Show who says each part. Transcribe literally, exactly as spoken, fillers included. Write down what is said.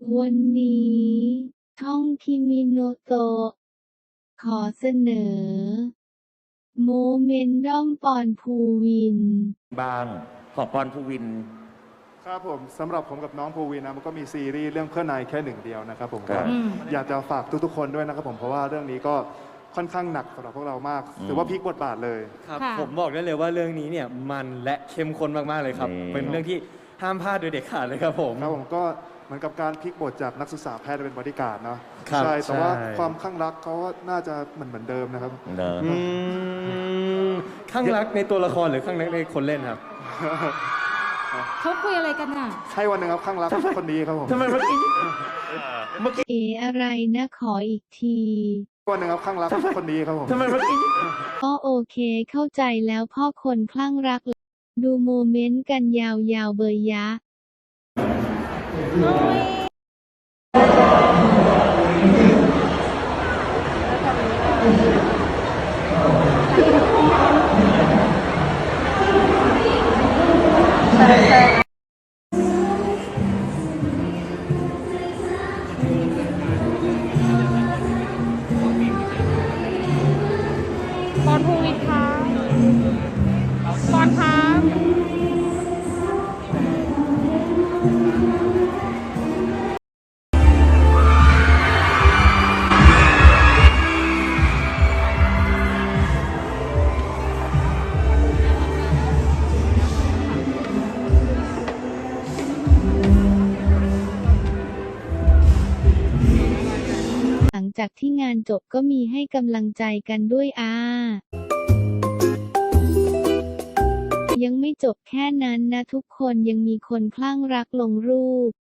Speaker 1: วันนี้ช่องคิมิโนโตะขอเสนอ โมเมนต์ด้อมปอนภูวิน
Speaker 2: บ้างของปอนภูวิน
Speaker 3: ครับผมสำหรับผมกับน้องภูวินนะมันก็มีซีรีส์เรื่องเพื่อนนายแค่หนึ่งเดียวนะครับผมก็อยากจะฝากทุกๆคนด้วยนะครับผมเพราะว่าเรื่องนี้ก็ค่อนข้างหนักสำหรับพวกเรามากถือว่าพลิกบทบาทเลย
Speaker 4: ครับผมบอกได้เลยว่าเรื่องนี้เนี่ยมันและเข้มข้นมากๆเลยครับเป็นเรื่องที่ห้ามพลาดโดยเด็ดขาดเลยครับผม
Speaker 3: ครับผมก็เหมือนกับการพลิกบทจากนักศึกษาแพทย์เป็นบริการเนาะ
Speaker 4: ใช่
Speaker 3: แต่ว่าความข้างรักเขาน่าจะเหมือนเหมือนเดิมนะครับ
Speaker 4: ข้างรักในตัวละครหรือข้างรักในคนเล่นครับ
Speaker 5: เขาคุยอะไรกันน่ะ
Speaker 3: ใช่วันหนึ่งครับข้างรักคนนี้ครับผม
Speaker 4: ทำไมเมื่อกี้
Speaker 1: เมื่อกี้เออะไรนะขออีกที
Speaker 3: วันหนึ่งครับข้างรักคนนี้ครับผม
Speaker 4: ทำไมเมื่อกี้
Speaker 1: ก็โอเคเข้าใจแล้วพ่อคนคลั่งรักดูโมเมนต์กันยาวๆเบยยะ
Speaker 5: ปอนภูวินคะปอนคะ
Speaker 1: หลังจากที่งานจบก็มีให้กำลังใจกันด้วยอายังไม่จบแค่นั้นนะทุกคนยังมีคนคลั่งรักลงรูป